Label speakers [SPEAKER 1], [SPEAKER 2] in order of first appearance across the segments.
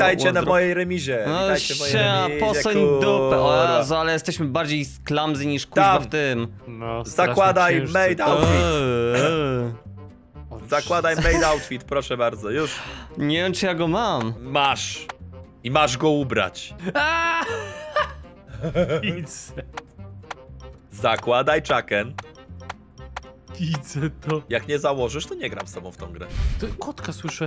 [SPEAKER 1] Witajcie na mojej remizie.
[SPEAKER 2] No
[SPEAKER 1] Witajcie w mojej remizie,
[SPEAKER 2] posoń dupę. O Jezu, ale jesteśmy bardziej clumsy niż kuźwa
[SPEAKER 1] Tam.
[SPEAKER 2] w tym.
[SPEAKER 3] No, strasznie
[SPEAKER 1] Zakładaj
[SPEAKER 3] ciężcy.
[SPEAKER 1] made outfit.
[SPEAKER 3] O,
[SPEAKER 1] Zakładaj made outfit, proszę bardzo, już.
[SPEAKER 2] Nie wiem, czy ja go mam.
[SPEAKER 1] Masz. I masz go ubrać.
[SPEAKER 3] Aaa! Widzę,
[SPEAKER 1] Zakładaj czaken.
[SPEAKER 3] widzę to.
[SPEAKER 1] Jak nie założysz, to nie gram z tobą w tą grę.
[SPEAKER 3] Kotka słyszę.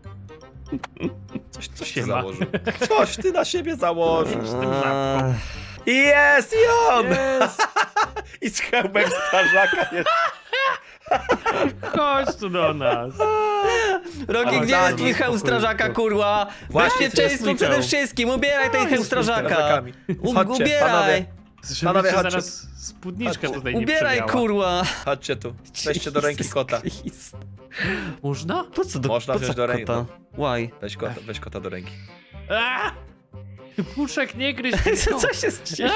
[SPEAKER 1] Coś ty
[SPEAKER 3] Siema.
[SPEAKER 1] założył. Coś ty na siebie założysz.
[SPEAKER 3] tym żabką.
[SPEAKER 1] Jest i on!
[SPEAKER 3] Jest!
[SPEAKER 1] I z hełmem strażaka jest.
[SPEAKER 3] Chodź tu do nas.
[SPEAKER 2] Rogi,
[SPEAKER 1] Ale
[SPEAKER 2] gdzie
[SPEAKER 1] daj
[SPEAKER 2] jest twój
[SPEAKER 1] mi
[SPEAKER 2] hełm
[SPEAKER 3] spokój.
[SPEAKER 2] strażaka, kurwa?
[SPEAKER 1] Właśnie,
[SPEAKER 2] Bezpieczeństwo
[SPEAKER 3] to jest
[SPEAKER 2] przede
[SPEAKER 3] mój
[SPEAKER 2] wszystkim, ubieraj ten hełm strażaka.
[SPEAKER 1] strażakami. Chodźcie,
[SPEAKER 2] Ubieraj.
[SPEAKER 1] panowie.
[SPEAKER 3] Żebyście
[SPEAKER 1] Panowie, chodźcie.
[SPEAKER 3] zaraz spódniczkę
[SPEAKER 1] Chodźcie.
[SPEAKER 3] tutaj nie
[SPEAKER 2] Ubieraj,
[SPEAKER 3] przewiała.
[SPEAKER 2] kurwa.
[SPEAKER 1] Chodźcie tu. Weźcie do ręki
[SPEAKER 2] Jesus
[SPEAKER 1] kota.
[SPEAKER 2] Christ.
[SPEAKER 3] Można?
[SPEAKER 2] Po co do
[SPEAKER 1] Można
[SPEAKER 2] po
[SPEAKER 1] wziąć
[SPEAKER 2] co
[SPEAKER 1] do ręki,
[SPEAKER 2] kota? Why?
[SPEAKER 1] Weź kota do ręki.
[SPEAKER 3] Aaa! Puszek, nie gryź
[SPEAKER 2] Co się dzieje?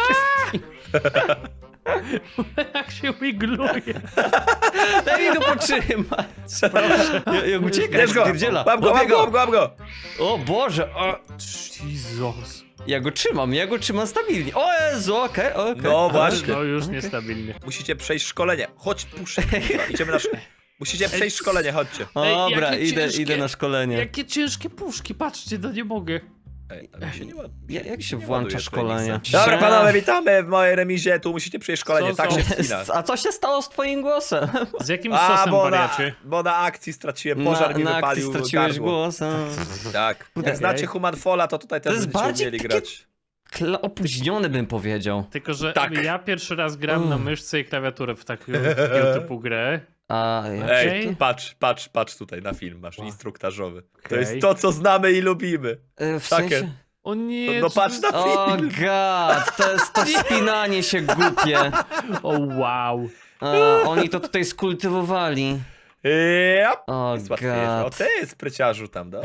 [SPEAKER 3] Jak się wigluje.
[SPEAKER 2] Daj mi go potrzymać. Jak ucieka,
[SPEAKER 1] Bierz go!
[SPEAKER 2] spierdziela.
[SPEAKER 1] Łap go, łap go, łap go!
[SPEAKER 2] O Boże, o,
[SPEAKER 3] Jezus.
[SPEAKER 2] ja go trzymam stabilnie. O Jezu, okej.
[SPEAKER 1] No właśnie.
[SPEAKER 3] No już niestabilnie.
[SPEAKER 1] Musicie przejść szkolenie. Chodź, puszczę. Idziemy na Musicie przejść szkolenie, chodźcie.
[SPEAKER 2] Dobra,
[SPEAKER 3] jakie
[SPEAKER 2] idę
[SPEAKER 3] ciężkie.
[SPEAKER 2] na szkolenie.
[SPEAKER 3] Jakie ciężkie puszki, patrzcie, no nie mogę.
[SPEAKER 1] Ej, ale się nie ładuje.
[SPEAKER 2] Jak się
[SPEAKER 1] nie
[SPEAKER 2] włącza
[SPEAKER 1] ładuje
[SPEAKER 2] szkolenie?
[SPEAKER 1] Dobra,
[SPEAKER 2] Że-
[SPEAKER 1] panowie, witamy w mojej remizie. Tu musicie przejść szkolenie,
[SPEAKER 3] Co,
[SPEAKER 1] tak
[SPEAKER 3] co?
[SPEAKER 1] się wspina.
[SPEAKER 2] A co się stało z twoim głosem?
[SPEAKER 3] Z jakim
[SPEAKER 1] A,
[SPEAKER 3] sosem,
[SPEAKER 1] bo na,
[SPEAKER 3] wariacie?
[SPEAKER 1] bo na akcji straciłem, pożar mi
[SPEAKER 2] na akcji
[SPEAKER 1] wypalił
[SPEAKER 2] straciłeś
[SPEAKER 1] gardło.
[SPEAKER 2] głos.
[SPEAKER 1] Tak.
[SPEAKER 2] Kurde.
[SPEAKER 1] Jak znacie Human Falla, to tutaj też
[SPEAKER 2] jest
[SPEAKER 1] będziecie
[SPEAKER 2] bardziej
[SPEAKER 1] umieli
[SPEAKER 2] takie-
[SPEAKER 1] grać.
[SPEAKER 2] Opóźniony bym powiedział.
[SPEAKER 3] Tylko, że
[SPEAKER 1] Tak.
[SPEAKER 3] ja pierwszy raz gram na myszce i klawiaturę w takiego typu grę.
[SPEAKER 2] A
[SPEAKER 1] Ej,
[SPEAKER 3] Okej.
[SPEAKER 1] patrz tutaj na film, masz instruktażowy. To
[SPEAKER 3] Okej.
[SPEAKER 1] jest to, co znamy i lubimy.
[SPEAKER 2] w
[SPEAKER 1] Takie.
[SPEAKER 2] sensie...
[SPEAKER 3] O nie,
[SPEAKER 1] No patrz na
[SPEAKER 2] O
[SPEAKER 1] film.
[SPEAKER 2] god, to jest to spinanie się głupie.
[SPEAKER 3] O wow.
[SPEAKER 2] Oni to tutaj skultywowali.
[SPEAKER 1] Yep.
[SPEAKER 2] O
[SPEAKER 1] Jest łatwiejsze. O
[SPEAKER 2] god.
[SPEAKER 1] ty, spryciarzu tam, da?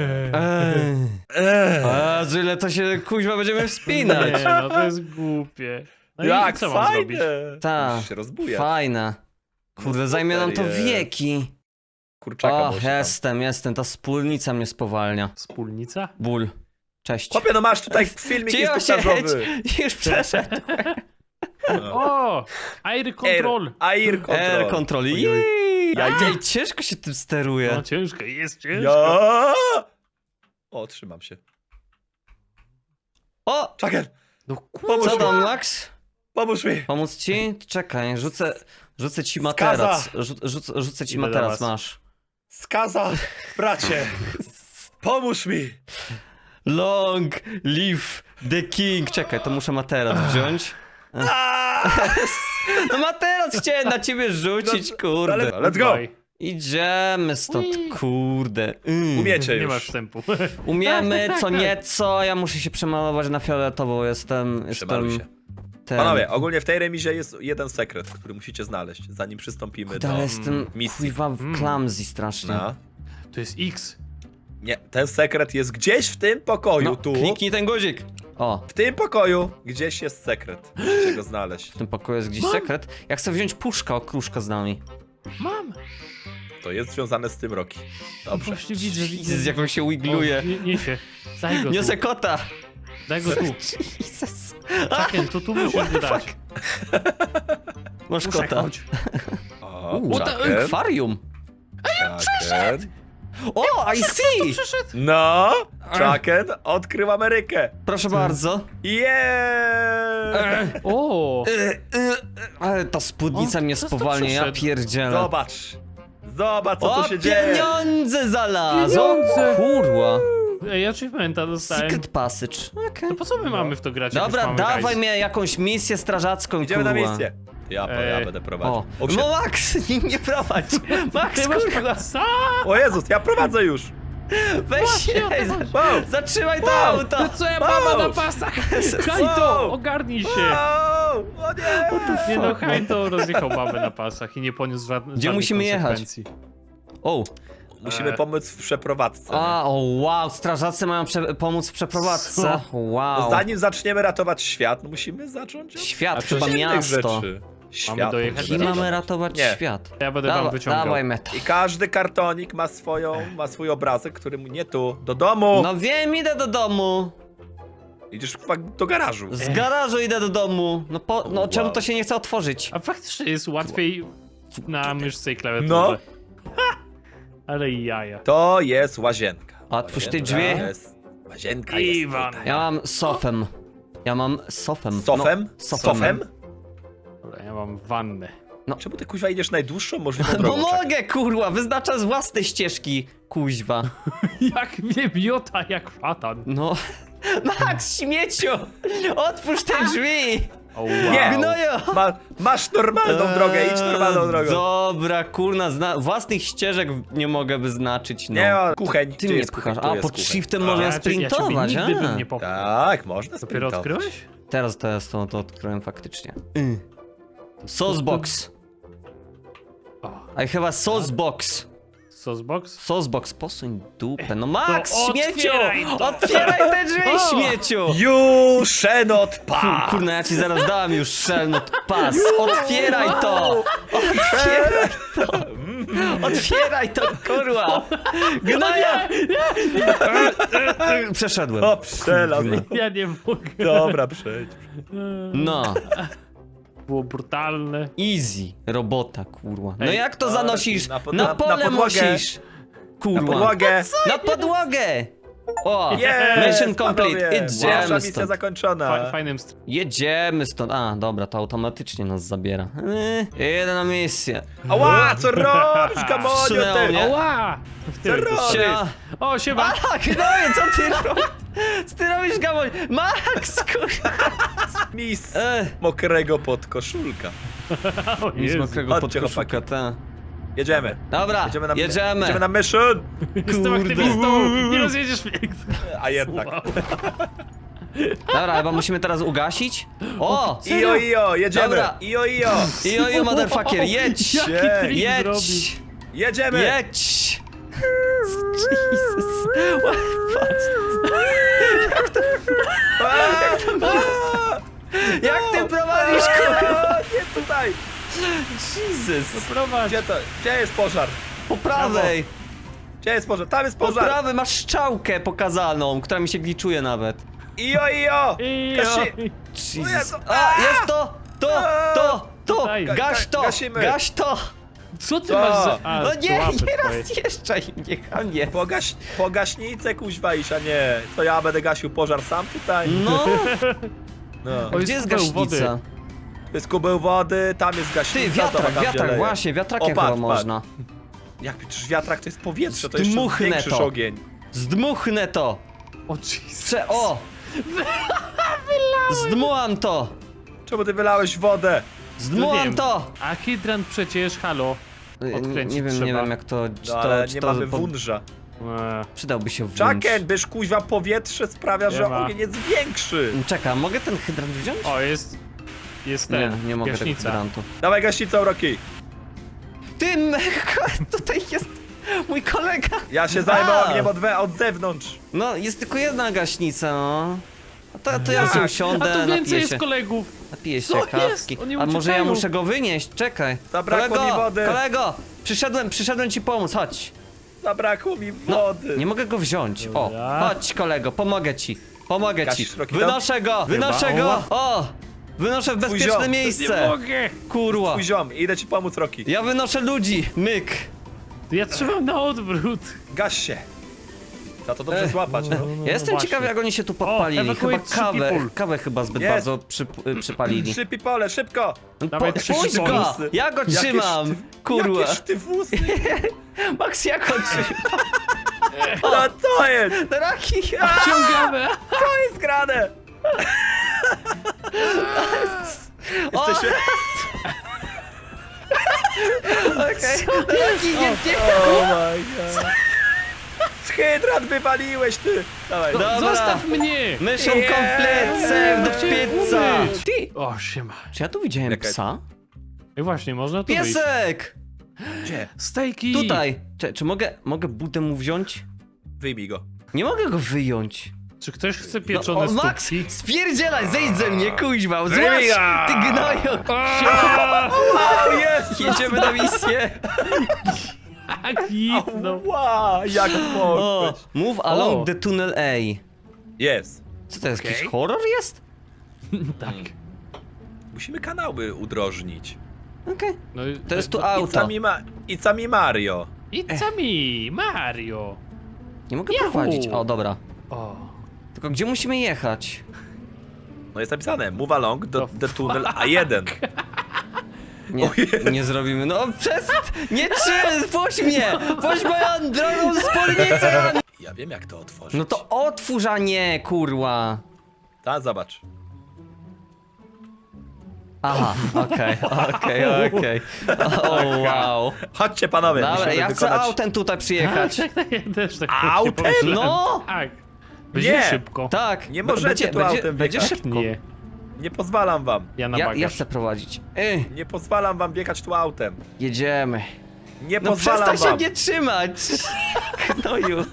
[SPEAKER 2] Jezu, ile to się kuźwa będziemy
[SPEAKER 3] Nie,
[SPEAKER 2] wspinać.
[SPEAKER 3] no to jest głupie. No
[SPEAKER 1] Jak
[SPEAKER 3] i co mam zrobić?
[SPEAKER 1] fajne!
[SPEAKER 2] Ta.
[SPEAKER 1] Musisz się rozbujać.
[SPEAKER 2] Fajne. Kurde,
[SPEAKER 1] No
[SPEAKER 2] zajmie nam to
[SPEAKER 1] super jest.
[SPEAKER 2] wieki.
[SPEAKER 1] Kurczaka
[SPEAKER 2] O,
[SPEAKER 1] może
[SPEAKER 2] jestem, ta wspólnica mnie spowalnia.
[SPEAKER 3] Wspólnica?
[SPEAKER 2] Ból. Cześć.
[SPEAKER 1] Chłopie, no masz tutaj filmik
[SPEAKER 2] Cicho
[SPEAKER 1] instruktażowy.
[SPEAKER 2] Już przeszedł.
[SPEAKER 1] No.
[SPEAKER 3] O! Air control!
[SPEAKER 1] Air control.
[SPEAKER 2] Air control.
[SPEAKER 3] Oj, oj.
[SPEAKER 2] Jej.
[SPEAKER 1] Ja-
[SPEAKER 2] Ej, ciężko się tym steruje.
[SPEAKER 3] No ciężko, jest ciężko.
[SPEAKER 1] Ja! O, trzymam się.
[SPEAKER 2] O!
[SPEAKER 1] Czekaj,
[SPEAKER 3] No
[SPEAKER 1] Pomóż
[SPEAKER 2] Co
[SPEAKER 1] mi.
[SPEAKER 2] tam, Max?
[SPEAKER 1] pomóż mi.
[SPEAKER 2] Pomóc ci? Czekaj, rzucę ci
[SPEAKER 1] Skaza.
[SPEAKER 2] materac. Rzucę ci
[SPEAKER 3] Idę do
[SPEAKER 2] materac,
[SPEAKER 3] was.
[SPEAKER 2] masz.
[SPEAKER 1] Skaza, bracie. Pomóż mi.
[SPEAKER 2] Long live the king. Czekaj, to muszę materac wziąć. No materac chciałem na ciebie rzucić,
[SPEAKER 1] No,
[SPEAKER 2] kurde.
[SPEAKER 1] ale- Let's go.
[SPEAKER 3] Bye.
[SPEAKER 2] Idziemy stąd, kurde.
[SPEAKER 1] Umiecie
[SPEAKER 3] Nie
[SPEAKER 1] już.
[SPEAKER 3] masz wstępu.
[SPEAKER 2] Umiemy
[SPEAKER 3] Tak,
[SPEAKER 2] co
[SPEAKER 3] tak.
[SPEAKER 2] nieco, ja muszę się przemalować na fioletowo, jestem
[SPEAKER 1] Przemaluj się.
[SPEAKER 2] ten...
[SPEAKER 1] Panowie, ogólnie w tej remizie jest jeden sekret, który musicie znaleźć, zanim przystąpimy
[SPEAKER 2] Kurde,
[SPEAKER 1] do
[SPEAKER 2] ale jestem
[SPEAKER 1] misji.
[SPEAKER 2] kuźwa clumsy strasznie.
[SPEAKER 1] No.
[SPEAKER 3] To jest X.
[SPEAKER 1] Nie, ten sekret jest gdzieś w tym pokoju,
[SPEAKER 2] No,
[SPEAKER 1] tu.
[SPEAKER 2] kliknij ten guzik. O,
[SPEAKER 1] W tym pokoju gdzieś jest sekret. Musicie go znaleźć.
[SPEAKER 2] w tym pokoju jest gdzieś
[SPEAKER 3] Mam.
[SPEAKER 2] sekret. Ja chcę wziąć puszka, okruszka z nami.
[SPEAKER 3] Mam.
[SPEAKER 1] To jest związane z tym Roki. Dobrze.
[SPEAKER 3] Właśnie widzę,
[SPEAKER 2] Z jaką się wigluje.
[SPEAKER 3] O, niesie. Daj go
[SPEAKER 2] Niosę
[SPEAKER 3] tu.
[SPEAKER 2] kota.
[SPEAKER 3] Daj go tu.
[SPEAKER 2] Jesus.
[SPEAKER 3] Czaken, to tu musisz go dać.
[SPEAKER 2] Masz
[SPEAKER 3] Puszek,
[SPEAKER 2] kota.
[SPEAKER 3] chodź.
[SPEAKER 1] O,
[SPEAKER 2] Jacket. Akwarium.
[SPEAKER 1] Jacket.
[SPEAKER 2] O, I see!
[SPEAKER 3] Przyszedł.
[SPEAKER 1] No, Jacket odkrył Amerykę.
[SPEAKER 2] Proszę bardzo.
[SPEAKER 1] Yeah!
[SPEAKER 3] O!
[SPEAKER 2] Ale ta spódnica
[SPEAKER 3] O,
[SPEAKER 2] mnie
[SPEAKER 3] kto to
[SPEAKER 2] spowalnia, ja
[SPEAKER 3] przyszedł?
[SPEAKER 2] pierdzielę.
[SPEAKER 1] Zobacz. Zobacz, co
[SPEAKER 2] O,
[SPEAKER 1] tu się dzieje.
[SPEAKER 2] pieniądze znalazł!
[SPEAKER 3] Pieniądze!
[SPEAKER 2] O, kurwa.
[SPEAKER 3] Ej, achievementa dostałem.
[SPEAKER 2] Secret passage. Okej.
[SPEAKER 3] To po co my mamy w to grać? jak już
[SPEAKER 2] Dobra,
[SPEAKER 3] mamy
[SPEAKER 2] dawaj
[SPEAKER 3] hajs?
[SPEAKER 2] mnie jakąś misję strażacką,
[SPEAKER 1] Idziemy na
[SPEAKER 2] kurwa.
[SPEAKER 1] misję. Ja będę prowadził.
[SPEAKER 2] O,
[SPEAKER 1] O,
[SPEAKER 2] no Max, nie prowadź. Max,
[SPEAKER 3] Ty masz
[SPEAKER 2] kurwa,
[SPEAKER 3] psa?
[SPEAKER 1] o Jezus, ja prowadzę już.
[SPEAKER 2] weź się,
[SPEAKER 1] Wow.
[SPEAKER 2] zatrzymaj to
[SPEAKER 1] Wow.
[SPEAKER 2] auto.
[SPEAKER 3] No co ja mama
[SPEAKER 1] Wow.
[SPEAKER 3] na pasach? Hajto, ogarnij się.
[SPEAKER 1] Wow. O nie.
[SPEAKER 3] Nie no, Hajto rozjechał babę na pasach i nie poniósł żadnych
[SPEAKER 2] musimy jechać?
[SPEAKER 3] konsekwencji.
[SPEAKER 2] O,
[SPEAKER 1] Musimy pomóc w przeprowadzce.
[SPEAKER 2] o wow, strażacy mają pomóc w przeprowadzce.
[SPEAKER 3] Co?
[SPEAKER 2] Wow.
[SPEAKER 1] Zanim zaczniemy ratować świat, no musimy zacząć od
[SPEAKER 2] Świat,
[SPEAKER 1] od
[SPEAKER 2] chyba
[SPEAKER 1] innych
[SPEAKER 2] miasto.
[SPEAKER 1] rzeczy. Świat.
[SPEAKER 3] dojechać
[SPEAKER 2] I
[SPEAKER 3] do-
[SPEAKER 2] mamy ratować
[SPEAKER 1] Nie.
[SPEAKER 2] świat.
[SPEAKER 3] Ja będę wam wyciągał.
[SPEAKER 2] Dawaj metal.
[SPEAKER 1] I każdy kartonik ma swój obrazek, który mu nie tu, do domu.
[SPEAKER 2] No wiem, idę do domu.
[SPEAKER 1] Idziesz do garażu.
[SPEAKER 2] Z garażu idę do domu. No
[SPEAKER 1] Wow.
[SPEAKER 2] czemu to się nie chce otworzyć?
[SPEAKER 3] A faktycznie jest łatwiej na myszce i klawiaturze.
[SPEAKER 1] No.
[SPEAKER 3] Ha! Ale jaja.
[SPEAKER 1] To jest łazienka.
[SPEAKER 2] Otwórz te
[SPEAKER 1] Łazienka
[SPEAKER 2] drzwi.
[SPEAKER 1] jest- Łazienka
[SPEAKER 3] Iwan.
[SPEAKER 1] jest tutaj.
[SPEAKER 2] Ja mam sofem. Ja mam sofem.
[SPEAKER 1] Sofem?
[SPEAKER 2] No, sofem.
[SPEAKER 1] Sofem?
[SPEAKER 3] Dobra, ja mam wannę.
[SPEAKER 1] Czemu ty kuźwa idziesz najdłuższą możliwą
[SPEAKER 2] No
[SPEAKER 1] drogą? Czekaj.
[SPEAKER 2] mogę, kurwa, wyznaczam z własnej ścieżki, kuźwa.
[SPEAKER 3] Jak mnie miota, jak szatan.
[SPEAKER 2] No. Max, śmieciu! Otwórz te drzwi!
[SPEAKER 3] O, wow.
[SPEAKER 1] Nie.
[SPEAKER 2] Gnoju!
[SPEAKER 1] Masz normalną drogę, idź normalną drogą.
[SPEAKER 2] Dobra, kurna, własnych ścieżek nie mogę wyznaczyć, no.
[SPEAKER 1] Nie ma kucheń.
[SPEAKER 2] Ty
[SPEAKER 1] Gdzie
[SPEAKER 2] mnie
[SPEAKER 1] jest kucheń?
[SPEAKER 2] pchasz.
[SPEAKER 1] Tu
[SPEAKER 2] A,
[SPEAKER 1] jest
[SPEAKER 2] pod
[SPEAKER 1] kucheń.
[SPEAKER 2] shiftem
[SPEAKER 3] Ja
[SPEAKER 2] można
[SPEAKER 3] ciebie
[SPEAKER 2] sprintować,
[SPEAKER 3] nigdy bym
[SPEAKER 2] a?
[SPEAKER 3] nie popchnął.
[SPEAKER 1] Tak, można
[SPEAKER 3] Dopiero
[SPEAKER 1] sprintować.
[SPEAKER 3] odkryłeś?
[SPEAKER 2] Teraz to odkryłem faktycznie. Saucebox.
[SPEAKER 3] O,
[SPEAKER 2] I have a saucebox.
[SPEAKER 3] Saucebox?
[SPEAKER 2] Saucebox, posuń dupę. No Max,
[SPEAKER 3] To
[SPEAKER 2] śmieciu!
[SPEAKER 3] otwieraj to.
[SPEAKER 2] Otwieraj te drzwi,
[SPEAKER 3] O.
[SPEAKER 2] śmieciu!
[SPEAKER 1] You shenot pass!
[SPEAKER 2] Kurna, ja ci zaraz dałem już szelnut pas. Otwieraj to! Otwieraj to! Otwieraj to, kurwa! Gnoja! Przeszedłem.
[SPEAKER 1] O, przelazł.
[SPEAKER 3] Ja nie mogę.
[SPEAKER 1] Dobra, przejdź.
[SPEAKER 2] No,
[SPEAKER 3] Było brutalne.
[SPEAKER 2] easy. Robota, kurwa. No
[SPEAKER 3] Ej,
[SPEAKER 2] jak to zanosisz?
[SPEAKER 1] na
[SPEAKER 2] Na pole
[SPEAKER 1] podłogę.
[SPEAKER 2] musisz!
[SPEAKER 1] Na
[SPEAKER 2] Kurwa.
[SPEAKER 1] podłogę.
[SPEAKER 2] Na podłogę! O!
[SPEAKER 1] Jest,
[SPEAKER 2] Mission complete.
[SPEAKER 1] panowie. Pierwsza
[SPEAKER 2] Jedziemy
[SPEAKER 1] misja
[SPEAKER 2] stąd.
[SPEAKER 1] zakończona.
[SPEAKER 3] Fajnym
[SPEAKER 2] Jedziemy stąd. A, dobra, to automatycznie nas zabiera. Jedę na misję.
[SPEAKER 1] Ała, co robisz, Gamonio,
[SPEAKER 2] Wsunęło
[SPEAKER 1] ty?
[SPEAKER 2] mnie.
[SPEAKER 3] Oła! W tyle
[SPEAKER 1] Co
[SPEAKER 3] to-
[SPEAKER 1] robisz?
[SPEAKER 2] Siema.
[SPEAKER 3] O, siema!
[SPEAKER 2] A, gnoju, co ty robisz? Co ty robisz, Gamoń? Max, kurwa!
[SPEAKER 1] Mis
[SPEAKER 2] Ech,
[SPEAKER 1] mokrego podkoszulka.
[SPEAKER 3] O,
[SPEAKER 2] nic
[SPEAKER 3] Jezu.
[SPEAKER 2] mokrego
[SPEAKER 1] Chodźcie,
[SPEAKER 2] podkoszuka, ta.
[SPEAKER 1] Jedziemy.
[SPEAKER 2] Dobra,
[SPEAKER 1] Jedziemy
[SPEAKER 2] jedziemy.
[SPEAKER 1] na mission.
[SPEAKER 3] Jestem
[SPEAKER 2] Kurde.
[SPEAKER 3] aktywistą! Nie rozjedziesz mnie!
[SPEAKER 1] A jednak.
[SPEAKER 3] Wow.
[SPEAKER 2] Dobra, chyba musimy teraz ugasić. O!
[SPEAKER 1] Ijo, ijo, jedziemy.
[SPEAKER 2] Dobra.
[SPEAKER 1] Ijo, ijo.
[SPEAKER 2] Ijo, motherfucker, jedź!
[SPEAKER 3] Jaki trik zrobił?
[SPEAKER 2] Jedź!
[SPEAKER 1] Jedziemy.
[SPEAKER 2] Jedź! Jesus! Jak ty prowadzisz, kurwa?
[SPEAKER 1] Nie tutaj.
[SPEAKER 2] Jesus!
[SPEAKER 3] Prowadź!
[SPEAKER 1] Gdzie jest pożar?
[SPEAKER 2] Po prawej!
[SPEAKER 1] Gdzie jest pożar? Tam jest
[SPEAKER 2] Po
[SPEAKER 1] pożar.
[SPEAKER 2] prawej masz strzałkę pokazaną, która mi się gliczuje nawet.
[SPEAKER 1] Ijo, ijo.
[SPEAKER 3] Ijo.
[SPEAKER 2] Jesus.
[SPEAKER 1] Jezu.
[SPEAKER 2] A, jest to! To!
[SPEAKER 3] Tutaj.
[SPEAKER 2] Gaś to!
[SPEAKER 1] Gasimy.
[SPEAKER 2] Gaś to!
[SPEAKER 3] Co ty
[SPEAKER 1] Co?
[SPEAKER 3] masz za... A,
[SPEAKER 2] No
[SPEAKER 3] to
[SPEAKER 2] nie,
[SPEAKER 3] łapy
[SPEAKER 2] nie
[SPEAKER 3] twoje.
[SPEAKER 2] rozjeżdżaj mnie, chamie.
[SPEAKER 1] Po gaśnicę kuźwa iść, a nie. To ja będę gasił pożar sam tutaj?
[SPEAKER 2] No,
[SPEAKER 1] No.
[SPEAKER 3] Oj,
[SPEAKER 2] gdzie jest
[SPEAKER 3] kubeł wody.
[SPEAKER 2] gaśnica?
[SPEAKER 1] To jest kubeł wody, tam jest gaśnica.
[SPEAKER 2] Ty, wiatrak,
[SPEAKER 1] tam, gdzie
[SPEAKER 2] wiatrak,
[SPEAKER 1] leje.
[SPEAKER 2] właśnie, wiatrakiem
[SPEAKER 1] O, patrz,
[SPEAKER 2] chyba
[SPEAKER 1] patrz.
[SPEAKER 2] można.
[SPEAKER 1] Jak przecież wiatrak to jest powietrze, to jeszcze
[SPEAKER 2] Zdmuchnę
[SPEAKER 1] zwiększysz
[SPEAKER 2] to.
[SPEAKER 1] ogień.
[SPEAKER 2] Zdmuchnę to!
[SPEAKER 3] O, Jesus.
[SPEAKER 2] O! Zdmułam to!
[SPEAKER 1] Czemu ty wylałeś wodę?
[SPEAKER 2] Zdmułam
[SPEAKER 3] wiem.
[SPEAKER 2] to!
[SPEAKER 3] A hydrant przecież, halo. Odkręcić
[SPEAKER 2] Nie wiem,
[SPEAKER 3] trzeba.
[SPEAKER 2] nie wiem jak to... Czy
[SPEAKER 1] No
[SPEAKER 2] to,
[SPEAKER 1] ale
[SPEAKER 2] czy
[SPEAKER 1] nie
[SPEAKER 2] to
[SPEAKER 1] mamy wunża.
[SPEAKER 2] Przydałby się wunsz.
[SPEAKER 1] Czaken, byś kuźwa powietrze sprawia, że
[SPEAKER 3] Nie ma.
[SPEAKER 1] ogień jest większy.
[SPEAKER 2] Czekaj, mogę ten hydrant wziąć?
[SPEAKER 3] O, jest... Jest
[SPEAKER 2] Nie,
[SPEAKER 3] ten,
[SPEAKER 2] nie mogę tego
[SPEAKER 3] gaśnica.
[SPEAKER 2] hydrantu.
[SPEAKER 1] Dawaj gaśnicą, Rocky.
[SPEAKER 2] Ty, tutaj jest mój kolega.
[SPEAKER 1] Ja się zajmę
[SPEAKER 2] A.
[SPEAKER 1] ogniem od zewnątrz.
[SPEAKER 2] No, jest tylko jedna gaśnica, no. A to ja sobie
[SPEAKER 3] A
[SPEAKER 2] usiądę,
[SPEAKER 3] tu więcej
[SPEAKER 2] napiję
[SPEAKER 3] jest
[SPEAKER 2] się,
[SPEAKER 3] kolegów.
[SPEAKER 2] napiję się
[SPEAKER 3] Co jest?
[SPEAKER 2] kawki.
[SPEAKER 3] Oni
[SPEAKER 2] A może ja
[SPEAKER 3] uciekają.
[SPEAKER 2] muszę go wynieść? Czekaj.
[SPEAKER 1] Zabrakło
[SPEAKER 2] kolego,
[SPEAKER 1] mi wody.
[SPEAKER 2] Kolego, przyszedłem ci pomóc, chodź.
[SPEAKER 1] Zabrakło mi
[SPEAKER 2] No,
[SPEAKER 1] wody.
[SPEAKER 2] nie mogę go wziąć. O,
[SPEAKER 3] Dobra.
[SPEAKER 2] chodź kolego, pomogę ci. Pomogę ci.
[SPEAKER 1] Gasisz, Rocky,
[SPEAKER 2] Wynoszę go, wynoszę
[SPEAKER 3] Chyba.
[SPEAKER 2] go. O, wynoszę w
[SPEAKER 1] Twój
[SPEAKER 2] bezpieczne
[SPEAKER 1] ziom.
[SPEAKER 3] Nie
[SPEAKER 2] miejsce.
[SPEAKER 3] mogę.
[SPEAKER 2] Kurwa.
[SPEAKER 1] Twój ziom, idę ci pomóc, Rocky.
[SPEAKER 2] Ja wynoszę ludzi. Myk.
[SPEAKER 3] To ja trzymam na odwrót.
[SPEAKER 1] Gaś się. Trzeba to dobrze złapać, no.
[SPEAKER 2] Ja jestem
[SPEAKER 3] właśnie.
[SPEAKER 2] ciekawy jak oni się tu podpalili. Chyba
[SPEAKER 3] ewakuate three people.
[SPEAKER 2] kawę chyba zbyt
[SPEAKER 1] Jest.
[SPEAKER 2] bardzo przypalili.
[SPEAKER 1] Trzy pipole, szybko.
[SPEAKER 3] Dawaj, trzy
[SPEAKER 2] Puść go!
[SPEAKER 1] włosy.
[SPEAKER 2] Ja go trzymam! Kurwa!
[SPEAKER 1] Jakież ty włosy.
[SPEAKER 2] Max, ja go trzymam!
[SPEAKER 1] No to jest.
[SPEAKER 2] Draki!
[SPEAKER 3] Ciągamy.
[SPEAKER 1] To jest grane. Jesteśmy...
[SPEAKER 2] Okej, Draki, nie!
[SPEAKER 1] Oh my god. Hydrant wywaliłeś, ty. Dawaj.
[SPEAKER 2] Dobra.
[SPEAKER 3] Zostaw mnie.
[SPEAKER 2] Mission
[SPEAKER 1] Yeah.
[SPEAKER 2] complete, save the
[SPEAKER 3] Chciałem
[SPEAKER 2] pizza!
[SPEAKER 3] umyć.
[SPEAKER 2] Ty!
[SPEAKER 3] O, siema.
[SPEAKER 2] Czy ja tu widziałem
[SPEAKER 1] Czekaj.
[SPEAKER 2] psa?
[SPEAKER 3] I właśnie, można tu wyjść.
[SPEAKER 2] Piesek!
[SPEAKER 1] Gdzie?
[SPEAKER 2] Tutaj! Czy mogę budę mu wziąć?
[SPEAKER 1] Wyjmij go.
[SPEAKER 2] Nie mogę go wyjąć.
[SPEAKER 3] Czy ktoś chce pieczone
[SPEAKER 2] O, Max,
[SPEAKER 3] stópki?
[SPEAKER 2] spierdzielaj, zejdź ze mnie, kuźwa, złaś,
[SPEAKER 1] Ryja!
[SPEAKER 2] ty gnoju.
[SPEAKER 1] Wow, jest!
[SPEAKER 2] Jedziemy na misję.
[SPEAKER 3] Tak, no.
[SPEAKER 1] Wow, jak
[SPEAKER 2] O,
[SPEAKER 1] mogłeś?
[SPEAKER 2] move along
[SPEAKER 3] O.
[SPEAKER 2] the tunnel A.
[SPEAKER 1] Jest.
[SPEAKER 2] Co to jest,
[SPEAKER 3] Okej.
[SPEAKER 2] jakiś horror jest?
[SPEAKER 3] Tak.
[SPEAKER 1] Musimy kanały udrożnić.
[SPEAKER 2] Okej.
[SPEAKER 3] No, i-
[SPEAKER 2] To jest tu
[SPEAKER 3] no,
[SPEAKER 2] auto.
[SPEAKER 1] It's a mi Mario.
[SPEAKER 3] It's a me, Mario.
[SPEAKER 2] Nie mogę
[SPEAKER 3] Yahoo!
[SPEAKER 2] prowadzić. O, dobra.
[SPEAKER 3] O.
[SPEAKER 2] Tylko gdzie musimy jechać?
[SPEAKER 1] No jest napisane, move along
[SPEAKER 3] The
[SPEAKER 1] the tunnel A1.
[SPEAKER 2] Nie, nie zrobimy. No nie puść mnie! Puść moją drogą spódnicę!
[SPEAKER 1] Ja wiem jak to otworzyć.
[SPEAKER 2] No to otwórz, a nie, kurwa.
[SPEAKER 1] Ta, zobacz.
[SPEAKER 2] Aha, okej. O, wow.
[SPEAKER 1] Chodźcie panowie,
[SPEAKER 2] Dobra,
[SPEAKER 1] musimy
[SPEAKER 2] ja chcę
[SPEAKER 1] wykonać...
[SPEAKER 2] autem tutaj przyjechać.
[SPEAKER 3] Ja też tak
[SPEAKER 1] Autem?
[SPEAKER 3] pomyślałem.
[SPEAKER 2] No!
[SPEAKER 3] Tak. Będzie
[SPEAKER 1] Nie.
[SPEAKER 3] szybko.
[SPEAKER 2] Tak.
[SPEAKER 1] Nie możecie tu autem
[SPEAKER 2] będzie
[SPEAKER 1] wjechać.
[SPEAKER 2] szybko.
[SPEAKER 3] Nie.
[SPEAKER 1] Nie pozwalam wam.
[SPEAKER 3] Ja na
[SPEAKER 2] Ja
[SPEAKER 3] bagaż.
[SPEAKER 2] chcę prowadzić.
[SPEAKER 1] Nie pozwalam wam biegać tu autem.
[SPEAKER 2] Jedziemy.
[SPEAKER 1] Nie
[SPEAKER 2] No
[SPEAKER 1] pozwalam
[SPEAKER 2] przestań się
[SPEAKER 1] wam.
[SPEAKER 2] mnie trzymać. Knoju.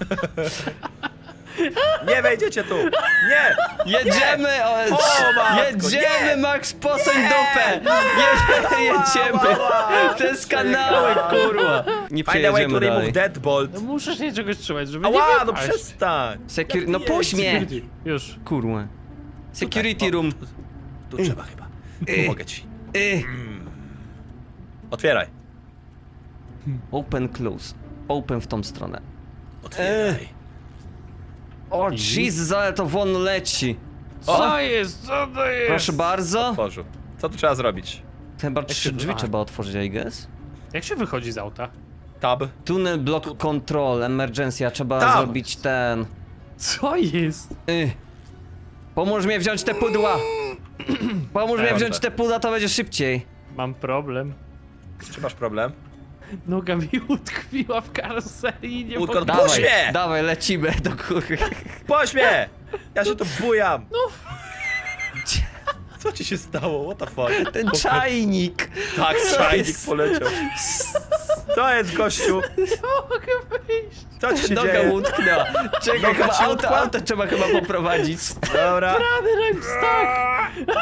[SPEAKER 1] Nie wejdziecie tu. Nie.
[SPEAKER 2] Jedziemy!
[SPEAKER 1] O, matko,
[SPEAKER 2] jedziemy,
[SPEAKER 1] nie.
[SPEAKER 2] Max, posuń dupę! Jedziemy! Przez kanały, kurwa! Nie
[SPEAKER 1] Find a way to
[SPEAKER 2] przejedziemy
[SPEAKER 1] remove
[SPEAKER 2] dalej.
[SPEAKER 1] deadbolt.
[SPEAKER 3] No muszę się czegoś trzymać, żeby
[SPEAKER 1] Ała,
[SPEAKER 3] nie
[SPEAKER 1] no
[SPEAKER 3] wypaść.
[SPEAKER 1] przestań.
[SPEAKER 2] No puść mnie!
[SPEAKER 3] Security. Już.
[SPEAKER 2] Kurwa. Security
[SPEAKER 1] Tutaj, o,
[SPEAKER 2] room.
[SPEAKER 1] Tu trzeba chyba. Pomogę ci.
[SPEAKER 2] Y.
[SPEAKER 1] Otwieraj.
[SPEAKER 2] Open, close. Open w tą stronę.
[SPEAKER 1] Otwieraj.
[SPEAKER 2] O, Jesus, ale to won leci.
[SPEAKER 3] Co jest? Co to jest?
[SPEAKER 2] Proszę bardzo.
[SPEAKER 1] Otworzył. Co tu trzeba zrobić?
[SPEAKER 2] Chyba 3
[SPEAKER 3] się-
[SPEAKER 2] drzwi
[SPEAKER 3] a.
[SPEAKER 2] trzeba otworzyć, I guess.
[SPEAKER 3] Jak się wychodzi z auta?
[SPEAKER 1] Tab.
[SPEAKER 2] Tunnel block control, emergency, trzeba
[SPEAKER 1] Tam.
[SPEAKER 2] zrobić ten...
[SPEAKER 3] Co jest?
[SPEAKER 2] Pomóż mnie wziąć te pudła! Pomóż mnie
[SPEAKER 1] Dobrze.
[SPEAKER 2] wziąć te pudła, to będzie szybciej.
[SPEAKER 3] Mam problem.
[SPEAKER 1] Czy masz problem?
[SPEAKER 3] Noga mi utkwiła w karoserii i nie
[SPEAKER 1] Łódko,
[SPEAKER 3] mogę...
[SPEAKER 1] Dawaj. Puść mnie!
[SPEAKER 2] Dawaj, lecimy do góry.
[SPEAKER 1] Pośmie! Ja się tu bujam. No. Co ci się stało? What the fuck?
[SPEAKER 2] Ten czajnik.
[SPEAKER 1] Tak,
[SPEAKER 2] Co
[SPEAKER 1] czajnik
[SPEAKER 2] jest?
[SPEAKER 1] poleciał. Co jest, gościu?
[SPEAKER 3] Nie mogę wyjść.
[SPEAKER 1] Co ci się
[SPEAKER 2] Noga
[SPEAKER 1] dzieje?
[SPEAKER 2] utknęła. Czekaj,
[SPEAKER 1] Noga
[SPEAKER 2] chyba
[SPEAKER 1] ci
[SPEAKER 2] auto,
[SPEAKER 1] utkła?
[SPEAKER 2] auto trzeba chyba poprowadzić.
[SPEAKER 1] Dobra.
[SPEAKER 3] Rany, I'm stuck.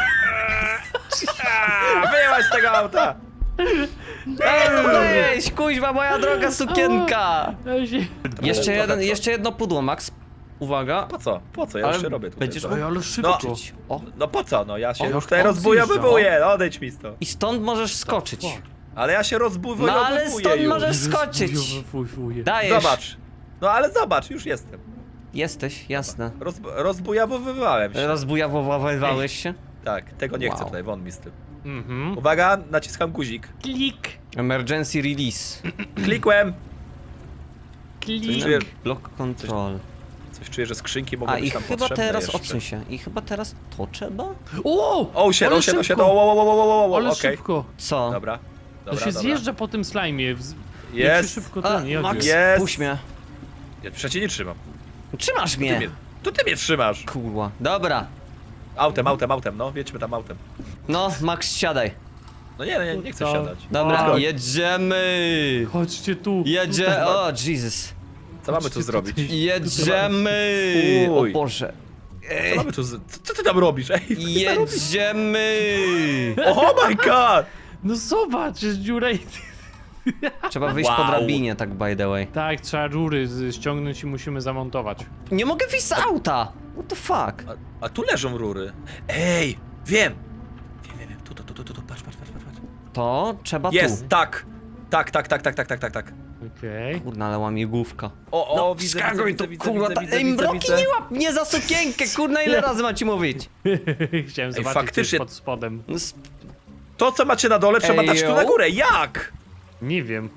[SPEAKER 1] Wyjechać z tego auta!
[SPEAKER 2] Weź, kuźwa, moja droga sukienka.
[SPEAKER 3] Ja się...
[SPEAKER 2] Jeszcze jedno pudło, Max. Uwaga.
[SPEAKER 1] Po co? Po co? Ja już się robię tutaj.
[SPEAKER 2] będziesz
[SPEAKER 1] co?
[SPEAKER 3] Oj, ale szybko.
[SPEAKER 2] O.
[SPEAKER 1] No po co? No ja się
[SPEAKER 2] O,
[SPEAKER 1] już tutaj
[SPEAKER 3] on
[SPEAKER 1] rozbujowywuję. Odejdź mi stąd.
[SPEAKER 2] I stąd możesz skoczyć.
[SPEAKER 3] fuck?
[SPEAKER 1] Ale ja się
[SPEAKER 2] No
[SPEAKER 1] rozbujowywuję
[SPEAKER 2] ale stąd
[SPEAKER 1] już.
[SPEAKER 2] możesz skoczyć.
[SPEAKER 3] Wuj.
[SPEAKER 2] Dajesz.
[SPEAKER 1] Zobacz. No ale zobacz, już jestem.
[SPEAKER 2] Jesteś, jasne.
[SPEAKER 1] Rozbujawowywałem się.
[SPEAKER 2] Rozbujawowałeś się?
[SPEAKER 1] Tak, tego nie chcę
[SPEAKER 2] Wow.
[SPEAKER 1] tutaj, won mi z tym.
[SPEAKER 3] Mhm.
[SPEAKER 1] Uwaga, naciskam guzik.
[SPEAKER 3] Klik.
[SPEAKER 2] Emergency release.
[SPEAKER 1] Klikłem.
[SPEAKER 3] Klik.
[SPEAKER 1] Czuję,
[SPEAKER 2] Block control.
[SPEAKER 1] coś czuję, że skrzynki mogą
[SPEAKER 2] A
[SPEAKER 1] być
[SPEAKER 2] i
[SPEAKER 1] tam
[SPEAKER 2] chyba
[SPEAKER 1] potrzebne
[SPEAKER 2] teraz
[SPEAKER 1] jeszcze.
[SPEAKER 2] odsuń się. I chyba teraz to trzeba?
[SPEAKER 3] O!
[SPEAKER 1] O, shit,
[SPEAKER 3] Ale
[SPEAKER 1] o, shit, o, shit,
[SPEAKER 3] szybko.
[SPEAKER 1] o,
[SPEAKER 3] Ale
[SPEAKER 1] okej.
[SPEAKER 3] szybko.
[SPEAKER 2] Co?
[SPEAKER 1] Dobra,
[SPEAKER 3] To
[SPEAKER 1] dobra,
[SPEAKER 3] się
[SPEAKER 1] dobra.
[SPEAKER 3] zjeżdża po tym slajmie. Jak
[SPEAKER 1] Jest.
[SPEAKER 3] się szybko
[SPEAKER 2] A,
[SPEAKER 3] ten jak
[SPEAKER 2] Max,
[SPEAKER 3] jest.
[SPEAKER 1] Jest.
[SPEAKER 2] puść mnie.
[SPEAKER 1] Ja przecież nie trzymam.
[SPEAKER 2] Trzymasz
[SPEAKER 1] Ty
[SPEAKER 2] mnie.
[SPEAKER 1] mnie, to ty mnie trzymasz.
[SPEAKER 2] Kurwa. Dobra.
[SPEAKER 1] Autem, no, jedźmy tam autem.
[SPEAKER 2] No, Max, siadaj.
[SPEAKER 1] No nie chcę
[SPEAKER 3] To-
[SPEAKER 1] siadać.
[SPEAKER 2] Dobra,
[SPEAKER 3] O.
[SPEAKER 2] jedziemy.
[SPEAKER 3] Chodźcie tu.
[SPEAKER 2] Jedzie... O, Jesus.
[SPEAKER 1] Co mamy tu zrobić?
[SPEAKER 2] Jedziemy. O
[SPEAKER 1] Fuj.
[SPEAKER 2] Boże.
[SPEAKER 1] Co mamy tu co ty tam robisz? Ej, co ty tam robisz?
[SPEAKER 2] Jedziemy.
[SPEAKER 1] Oh my god!
[SPEAKER 3] No zobacz, jest dziura i...
[SPEAKER 2] Trzeba wyjść po
[SPEAKER 1] Wow.
[SPEAKER 2] drabinie, tak by the way.
[SPEAKER 3] Tak, trzeba rury ściągnąć i musimy zamontować.
[SPEAKER 2] Nie mogę wyjść z auta. What the fuck?
[SPEAKER 1] A tu leżą rury. Ej, wiem. Wiem. Tu, patrz.
[SPEAKER 2] To trzeba
[SPEAKER 1] Jest,
[SPEAKER 2] tu.
[SPEAKER 1] tak. Tak.
[SPEAKER 3] Okej.
[SPEAKER 2] Kurna, ale łamigłówka.
[SPEAKER 1] O,
[SPEAKER 2] No,
[SPEAKER 1] widzę,
[SPEAKER 2] wskakuj tu, kurwa, ej, mroki
[SPEAKER 1] widzę.
[SPEAKER 2] nie łap mnie za sukienkę, kurna, ile razy mam ci mówić?
[SPEAKER 3] Chciałem
[SPEAKER 1] Ej,
[SPEAKER 3] zobaczyć,
[SPEAKER 1] faktycznie-
[SPEAKER 3] co jest pod spodem.
[SPEAKER 2] No,
[SPEAKER 1] To, co macie na dole, trzeba
[SPEAKER 2] Ej,
[SPEAKER 1] dać tu
[SPEAKER 2] yo.
[SPEAKER 1] na górę. Jak?
[SPEAKER 3] Nie wiem.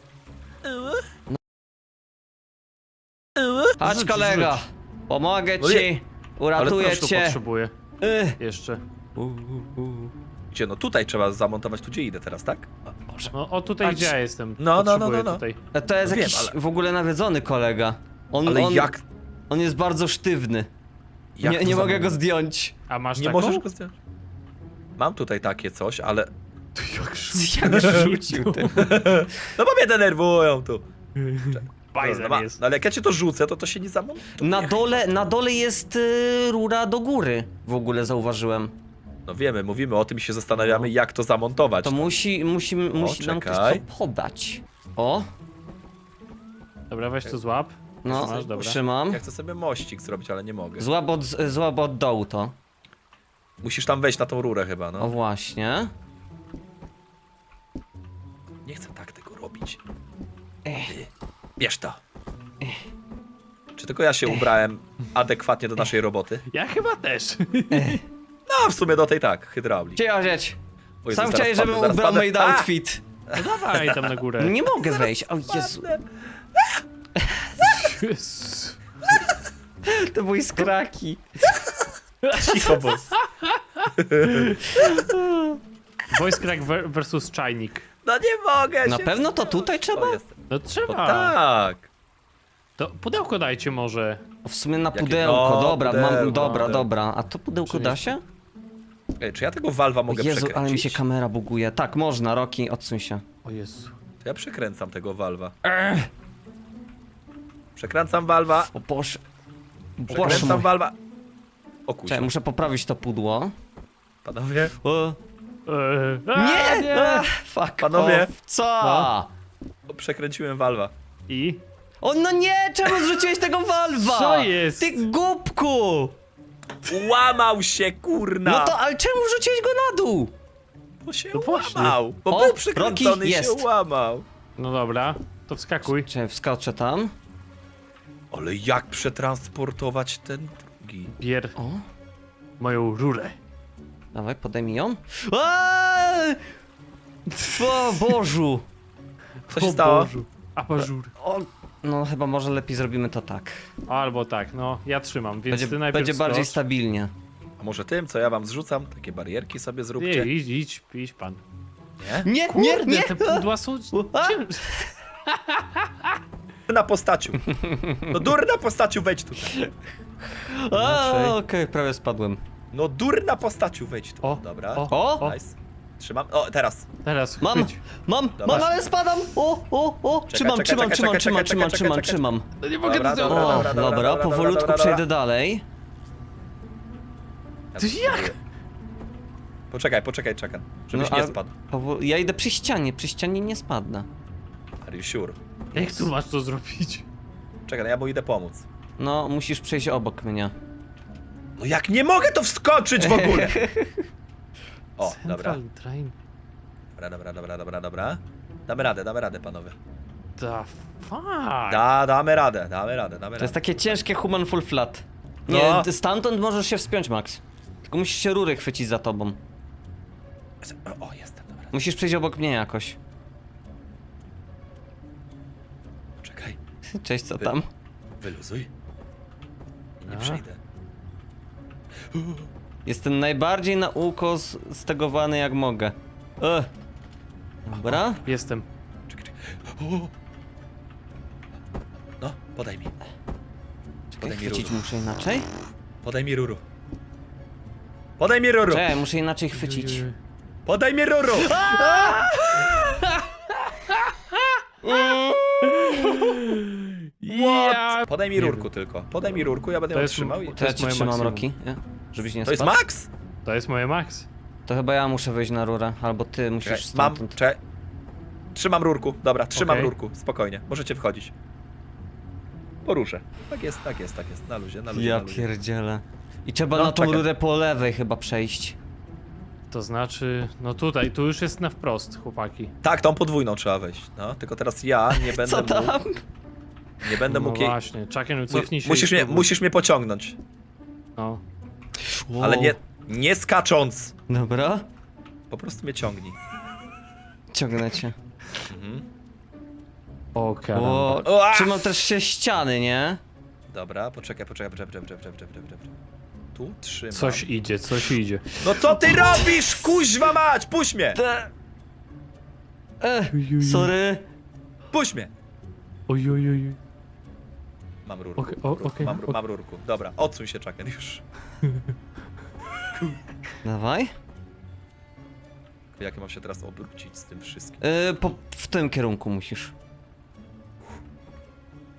[SPEAKER 2] Chodź,
[SPEAKER 3] Rzuć,
[SPEAKER 2] kolega.
[SPEAKER 3] rzuć.
[SPEAKER 2] Pomogę
[SPEAKER 1] No
[SPEAKER 2] ci.
[SPEAKER 1] Ale
[SPEAKER 2] Uratuję
[SPEAKER 3] Proszę,
[SPEAKER 2] cię.
[SPEAKER 3] potrzebuję.
[SPEAKER 2] Ech.
[SPEAKER 3] Jeszcze.
[SPEAKER 1] Gdzie, no tutaj trzeba zamontować, tu gdzie idę teraz, tak?
[SPEAKER 3] No, o tutaj
[SPEAKER 2] Patrz.
[SPEAKER 3] gdzie ja jestem.
[SPEAKER 1] No.
[SPEAKER 3] Potrzebuję tutaj.
[SPEAKER 2] To jest
[SPEAKER 1] No wiem,
[SPEAKER 2] jakiś
[SPEAKER 1] ale-
[SPEAKER 2] w ogóle nawiedzony kolega.
[SPEAKER 1] Ale
[SPEAKER 2] on,
[SPEAKER 1] jak?
[SPEAKER 2] On jest bardzo sztywny.
[SPEAKER 1] Jak
[SPEAKER 2] Nie,
[SPEAKER 1] to
[SPEAKER 2] nie mogę
[SPEAKER 1] zamontować?
[SPEAKER 2] go zdjąć.
[SPEAKER 3] A masz
[SPEAKER 1] Nie
[SPEAKER 3] taką?
[SPEAKER 1] możesz go zdjąć. Mam tutaj takie coś, ale...
[SPEAKER 3] Jak
[SPEAKER 2] Jak rzucił ty.
[SPEAKER 1] No bo mnie denerwują tu.
[SPEAKER 3] Bajzer
[SPEAKER 1] No,
[SPEAKER 3] jest.
[SPEAKER 1] no ale jak ja cię to rzucę, to się nie zamontuje.
[SPEAKER 2] Na dole jest rura do góry. W ogóle zauważyłem.
[SPEAKER 1] No wiemy, mówimy o tym i się zastanawiamy, jak to zamontować.
[SPEAKER 2] To musi nam ktoś
[SPEAKER 1] czekaj.
[SPEAKER 2] to podać. O,
[SPEAKER 3] Dobra, weź to złap.
[SPEAKER 2] no,
[SPEAKER 3] Masz, dobra.
[SPEAKER 2] trzymam.
[SPEAKER 1] Ja chcę sobie mościk zrobić, ale nie mogę.
[SPEAKER 2] Złap od dołu to.
[SPEAKER 1] Musisz tam wejść na tą rurę chyba,
[SPEAKER 2] O
[SPEAKER 1] no.
[SPEAKER 2] właśnie.
[SPEAKER 1] Nie chcę tak tego robić. Bierz to. Czy tylko ja się ubrałem adekwatnie do naszej roboty?
[SPEAKER 3] Ja chyba też.
[SPEAKER 1] No, w sumie do tej tak, hydraulik.
[SPEAKER 2] Cię.
[SPEAKER 1] O Jezu,
[SPEAKER 2] Sam
[SPEAKER 1] zaraz
[SPEAKER 2] chciałeś,
[SPEAKER 1] padnę,
[SPEAKER 2] żebym
[SPEAKER 1] zaraz
[SPEAKER 2] ubrał
[SPEAKER 1] padnę.
[SPEAKER 2] made outfit.
[SPEAKER 3] No dawaj tam na górę.
[SPEAKER 2] Nie mogę wejść, o Jezu.
[SPEAKER 3] Jezu.
[SPEAKER 2] To były skraki.
[SPEAKER 3] Cicho, boss. Voice crack versus czajnik.
[SPEAKER 1] No nie mogę
[SPEAKER 2] Na
[SPEAKER 1] się
[SPEAKER 2] pewno to tutaj trzeba?
[SPEAKER 1] O, jestem.
[SPEAKER 3] No
[SPEAKER 1] No
[SPEAKER 3] trzeba.
[SPEAKER 1] tak.
[SPEAKER 3] To pudełko dajcie może.
[SPEAKER 2] O, w sumie na
[SPEAKER 1] Jakie-
[SPEAKER 2] pudełko,
[SPEAKER 1] no,
[SPEAKER 2] dobra,
[SPEAKER 1] pudełko,
[SPEAKER 2] dobra.
[SPEAKER 1] pudełko.
[SPEAKER 2] A to pudełko
[SPEAKER 3] Czyli-
[SPEAKER 2] da się?
[SPEAKER 1] Ej, czy ja tego walwa mogę
[SPEAKER 2] Jezu,
[SPEAKER 1] przekręcić?
[SPEAKER 2] ale mi się kamera buguje. Tak, można, Roki, odsuń się.
[SPEAKER 3] O Jezu.
[SPEAKER 1] To ja przekręcam tego walwa. Przekręcam walwa.
[SPEAKER 2] O Boże. Boże
[SPEAKER 1] Przekręcam
[SPEAKER 2] mój.
[SPEAKER 1] walwa. O kuźwa.
[SPEAKER 2] Czekaj, muszę poprawić to pudło.
[SPEAKER 1] Panowie.
[SPEAKER 2] O.
[SPEAKER 3] Nie!
[SPEAKER 2] Nie! Fuck
[SPEAKER 1] Panowie.
[SPEAKER 2] off. Co?
[SPEAKER 1] O, przekręciłem walwa.
[SPEAKER 3] I?
[SPEAKER 2] O no nie! Czemu zrzuciłeś tego walwa?
[SPEAKER 3] Co jest?
[SPEAKER 2] Ty głupku!
[SPEAKER 1] Łamał się, kurna!
[SPEAKER 2] No to, ale czemu wrzuciłeś go na dół?
[SPEAKER 1] Bo się
[SPEAKER 3] No właśnie.
[SPEAKER 1] łamał. Bo
[SPEAKER 2] O,
[SPEAKER 1] był przykręcony
[SPEAKER 2] Rocky,
[SPEAKER 1] i się
[SPEAKER 2] jest.
[SPEAKER 1] łamał.
[SPEAKER 3] No dobra, to wskakuj.
[SPEAKER 2] Czekaj, wskoczę tam.
[SPEAKER 1] Ale jak przetransportować ten drugi?
[SPEAKER 3] Bier
[SPEAKER 2] O,
[SPEAKER 3] moją rurę.
[SPEAKER 2] dawaj, podejmij ją. Aaaa! O Bożu!
[SPEAKER 1] Co się stało?
[SPEAKER 3] Bożu. Apażur.
[SPEAKER 2] O, no chyba może lepiej zrobimy to tak.
[SPEAKER 3] Albo tak, no ja trzymam, więc ty najpierw
[SPEAKER 2] Będzie bardziej
[SPEAKER 3] skocz.
[SPEAKER 2] stabilnie.
[SPEAKER 1] A może tym, co ja wam zrzucam? Takie barierki sobie
[SPEAKER 3] Nie,
[SPEAKER 1] zróbcie.
[SPEAKER 3] idź pan.
[SPEAKER 1] Nie?
[SPEAKER 2] Nie,
[SPEAKER 3] Kurde, te pudła są...
[SPEAKER 2] A!
[SPEAKER 1] Na postaciu. No durna postaciu, wejdź tutaj.
[SPEAKER 2] Okej, prawie spadłem.
[SPEAKER 1] No durna postaciu, wejdź tu.
[SPEAKER 3] O,
[SPEAKER 1] Dobra.
[SPEAKER 2] O!
[SPEAKER 1] Nice. Trzymam. O, teraz.
[SPEAKER 3] Teraz
[SPEAKER 2] Mam,
[SPEAKER 3] chwyć.
[SPEAKER 2] mam,
[SPEAKER 1] Dobra.
[SPEAKER 2] ale spadam! O! Trzymam.
[SPEAKER 3] No nie mogę
[SPEAKER 1] Dobra,
[SPEAKER 3] to
[SPEAKER 1] dobra,
[SPEAKER 3] zrobić.
[SPEAKER 2] O,
[SPEAKER 1] dobra,
[SPEAKER 2] dobra, powolutku
[SPEAKER 1] dobra.
[SPEAKER 2] przejdę dalej.
[SPEAKER 1] Ja
[SPEAKER 3] Ty
[SPEAKER 1] to
[SPEAKER 3] jak?
[SPEAKER 1] spróbuję. Poczekaj, czekam. Żebyś
[SPEAKER 2] No,
[SPEAKER 1] nie
[SPEAKER 2] ale
[SPEAKER 1] spadł.
[SPEAKER 2] Ja idę przy ścianie nie spadnę.
[SPEAKER 1] Are you sure?
[SPEAKER 3] Jak tu masz to zrobić?
[SPEAKER 1] Czekaj, no ja mu idę pomóc.
[SPEAKER 2] No, musisz przejść obok mnie.
[SPEAKER 1] No jak nie mogę to wskoczyć w ogóle! O, dobra.
[SPEAKER 3] Central Train.
[SPEAKER 1] Dobra. Damy radę, panowie.
[SPEAKER 3] The fuck?
[SPEAKER 1] Damy radę.
[SPEAKER 2] To jest takie ciężkie human full flat. Nie,
[SPEAKER 1] No.
[SPEAKER 2] stamtąd możesz się wspiąć, Max. Tylko musisz się rury chwycić za tobą.
[SPEAKER 1] O, jestem, dobra.
[SPEAKER 2] Musisz przejść obok mnie jakoś.
[SPEAKER 1] Czekaj,
[SPEAKER 2] Cześć, co tam?
[SPEAKER 1] wyluzuj. I nie
[SPEAKER 3] A.
[SPEAKER 1] przejdę.
[SPEAKER 2] Jestem najbardziej na uko stegowany jak mogę. Dobra.
[SPEAKER 3] Jestem.
[SPEAKER 1] Czekaj. O. No, podaj mi.
[SPEAKER 2] Czekaj,
[SPEAKER 1] Podaj mi
[SPEAKER 2] chwycić
[SPEAKER 1] rurę.
[SPEAKER 2] muszę inaczej?
[SPEAKER 1] Podaj mi ruru. Podaj mi ruru!
[SPEAKER 2] Czekaj, muszę inaczej chwycić.
[SPEAKER 1] Podaj mi ruru!
[SPEAKER 3] Ja...
[SPEAKER 1] Podaj mi rurku tylko. Podaj mi rurku, ja będę
[SPEAKER 3] To
[SPEAKER 1] ją
[SPEAKER 3] jest-
[SPEAKER 1] trzymał.
[SPEAKER 2] To ja
[SPEAKER 3] jest
[SPEAKER 2] cię
[SPEAKER 3] moje
[SPEAKER 2] trzymam,
[SPEAKER 3] maksimum.
[SPEAKER 2] Roki. Nie? Żebyś nie
[SPEAKER 1] To jest
[SPEAKER 2] spadł.
[SPEAKER 1] max?
[SPEAKER 3] To jest moje max.
[SPEAKER 2] To chyba ja muszę wejść na rurę, albo ty musisz
[SPEAKER 1] Czekaj, mam,
[SPEAKER 2] stamtąd.
[SPEAKER 1] Trzymam rurku, dobra, trzymam
[SPEAKER 3] Okej.
[SPEAKER 1] rurku, spokojnie, możecie wchodzić. Poruszę. Tak jest, na luzie, na luzie,
[SPEAKER 2] Ja
[SPEAKER 1] na luzie.
[SPEAKER 2] pierdzielę. I trzeba
[SPEAKER 1] No,
[SPEAKER 2] na tą
[SPEAKER 1] czekaj.
[SPEAKER 2] rurę po lewej chyba przejść.
[SPEAKER 3] To znaczy... No tutaj, tu już jest na wprost, chłopaki.
[SPEAKER 1] Tak, tą podwójną trzeba wejść, no, tylko teraz ja nie będę
[SPEAKER 2] Co tam?
[SPEAKER 1] mógł, nie będę
[SPEAKER 3] No
[SPEAKER 1] mógł jej...
[SPEAKER 3] właśnie, Chucken, cofnij się. i spróbuj.
[SPEAKER 1] Musisz mnie pociągnąć,
[SPEAKER 3] No.
[SPEAKER 1] ale nie skacząc,
[SPEAKER 2] Dobra,
[SPEAKER 1] po prostu mnie ciągnij.
[SPEAKER 2] ciągnę cię.
[SPEAKER 1] Mhm.
[SPEAKER 3] O karamba.
[SPEAKER 2] O,
[SPEAKER 1] Ua!
[SPEAKER 2] trzymam też się ściany, nie?
[SPEAKER 1] Dobra, poczekaj. Tu trzymam.
[SPEAKER 3] Coś idzie.
[SPEAKER 1] No co ty robisz, kuźwa mać, puść mnie,
[SPEAKER 2] Sorry.
[SPEAKER 1] puść mnie.
[SPEAKER 3] Oj.
[SPEAKER 1] Mam rurku,
[SPEAKER 3] Okej,
[SPEAKER 1] mam rurku, dobra, odsuń się, Chucken, już.
[SPEAKER 2] Dawaj.
[SPEAKER 1] Jak mam się teraz obrócić z tym wszystkim?
[SPEAKER 2] W tym kierunku musisz.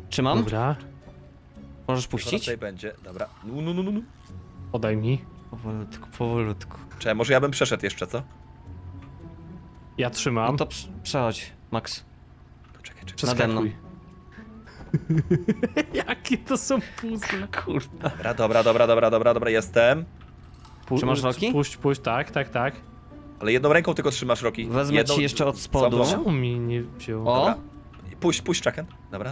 [SPEAKER 2] Trzymam?
[SPEAKER 3] Dobra,
[SPEAKER 2] Możesz
[SPEAKER 1] Zaraz
[SPEAKER 2] puścić?
[SPEAKER 1] tutaj będzie, dobra. No.
[SPEAKER 3] podaj mi.
[SPEAKER 2] Powolutku, powolutku.
[SPEAKER 1] Czekaj, może ja bym przeszedł jeszcze, co?
[SPEAKER 3] Ja trzymam.
[SPEAKER 2] No to przechodź, Max.
[SPEAKER 1] To czekaj.
[SPEAKER 2] Nade mną.
[SPEAKER 3] Przeskakuj. Jakie to są puzzle.
[SPEAKER 2] Kurwa.
[SPEAKER 1] Dobra, jestem.
[SPEAKER 2] Trzymasz Roki?
[SPEAKER 3] Puść, tak.
[SPEAKER 1] Ale jedną ręką tylko trzymasz, Roki.
[SPEAKER 2] Wezmę ci jeszcze od spodu.
[SPEAKER 1] Całą-
[SPEAKER 3] Czemu mi nie wziął?
[SPEAKER 2] O!
[SPEAKER 1] Dobra. Puść, Chucken. Dobra.